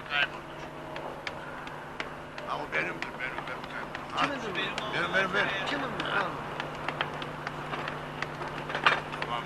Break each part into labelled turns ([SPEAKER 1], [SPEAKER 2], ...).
[SPEAKER 1] kaybolmuş. Ama benimdir, benim kaybolmuş.
[SPEAKER 2] Kimindir bu?
[SPEAKER 1] Benim.
[SPEAKER 2] Kimin bu? Tamam.
[SPEAKER 1] Tamam.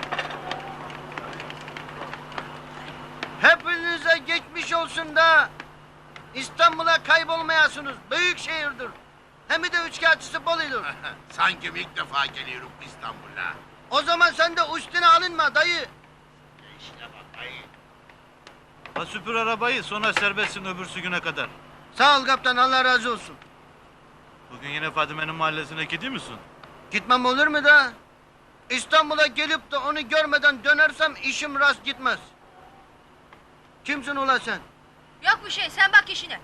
[SPEAKER 2] Hepinize geçmiş olsun da İstanbul'a kaybolmayasınız. Büyük şehirdir. Hem de üçkağıtçısı Bolu'dur.
[SPEAKER 1] Sanki ilk defa geliyorum İstanbul'a.
[SPEAKER 2] O zaman sen de üstüne alınma dayı.
[SPEAKER 1] İşine bak ayı.
[SPEAKER 3] Ha süpür arabayı, sonra serbestsin öbürsü güne kadar.
[SPEAKER 2] Sağ ol kaptan, Allah razı olsun.
[SPEAKER 3] Bugün yine Fadime'nin mahallesine gidiyor musun?
[SPEAKER 2] Gitmem olur mu da? İstanbul'a gelip de onu görmeden dönersem işim rast gitmez. Kimsin ula sen?
[SPEAKER 4] Yok bir şey, sen bak işine.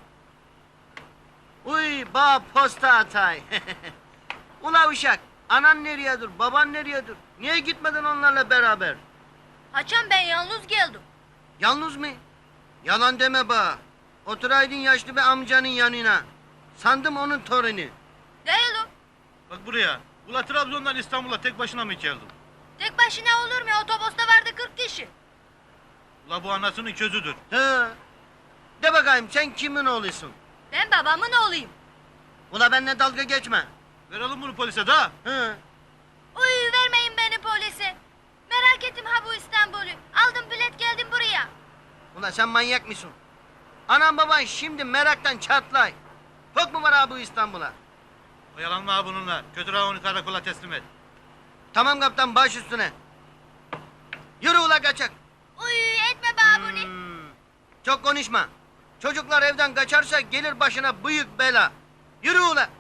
[SPEAKER 2] Uy, ba posta atay. Ula uşak, anan nereyedir, baban nereyedir? Niye gitmedin onlarla beraber?
[SPEAKER 4] Haçan ben yalnız geldim.
[SPEAKER 2] Yalnız mı? Yalan deme ba. Oturaydın yaşlı bir amcanın yanına. Sandım onun torunu.
[SPEAKER 4] Değilim.
[SPEAKER 3] Bak buraya. Ula Trabzon'dan İstanbul'a tek başına mı geldin?
[SPEAKER 4] Tek başına olur mu? Otobüste vardı 40 kişi.
[SPEAKER 3] Ula bu anasının közüdür.
[SPEAKER 2] He. De bakayım sen kimin oğlusun?
[SPEAKER 4] Ben babamın oğluyum.
[SPEAKER 2] Ula benimle dalga geçme.
[SPEAKER 3] Verelim bunu polise da.
[SPEAKER 2] He.
[SPEAKER 4] Uy vermeyin beni polise. Merak ettim ha bu İstanbul'u. Aldım bilet geldim buraya.
[SPEAKER 2] Ula sen manyak mısın? Anam baban şimdi meraktan çatlay. Çok mu var ha bu İstanbul'a?
[SPEAKER 3] Oyalanma ha bununla. Götür ha onu karakola teslim et.
[SPEAKER 2] Tamam kaptan, baş üstüne. Yürü ula kaçak.
[SPEAKER 4] Uy etme bana bunu.
[SPEAKER 2] Çok konuşma. Çocuklar evden kaçarsa gelir başına büyük bela. Yürü ula.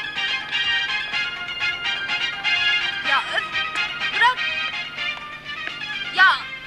[SPEAKER 4] Ya öf. Bırak. Ya.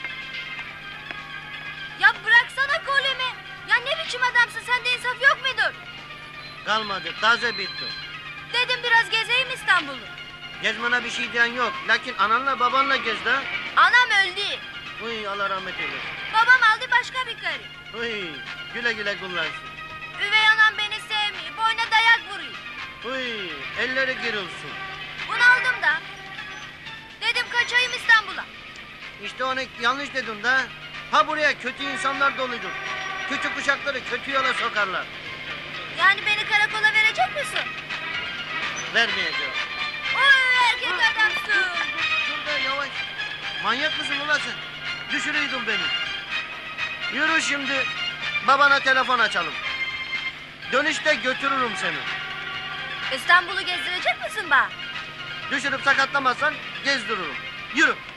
[SPEAKER 4] Ya bıraksana kolemi. Ya ne biçim adamsın, sende insaf yok mudur?
[SPEAKER 2] Kalmadı, taze bitti.
[SPEAKER 4] Dedim biraz gezeyim İstanbul'u.
[SPEAKER 2] Gezmene bir şey diyen yok. Lakin ananla babanla gez de.
[SPEAKER 4] Anam öldü.
[SPEAKER 2] Uy, Allah rahmet eylesin.
[SPEAKER 4] Babam aldı başka bir karı.
[SPEAKER 2] Uy, güle güle kullansın.
[SPEAKER 4] Üvey anam beni sevmiyor. Boyuna dayak vuruyor.
[SPEAKER 2] Uy, elleri girilsin.
[SPEAKER 4] Bunu aldım da. Dedim kaçayım İstanbul'a.
[SPEAKER 2] İşte onu yanlış dedim de. Ha buraya kötü insanlar doludur. Küçük uşakları kötü yola sokarlar.
[SPEAKER 4] Yani beni karakola verecek misin?
[SPEAKER 2] Vermeyeceğim.
[SPEAKER 4] Oy erkek adamsın.
[SPEAKER 2] Şurada yavaş. Manyak mısın ulan sen? Düşürüydün beni. Yürü şimdi. Babana telefon açalım. Dönüşte götürürüm seni.
[SPEAKER 4] İstanbul'u gezdirecek misin bana?
[SPEAKER 2] Düşürüp sakatlamazsan gezdiririm. Yürü.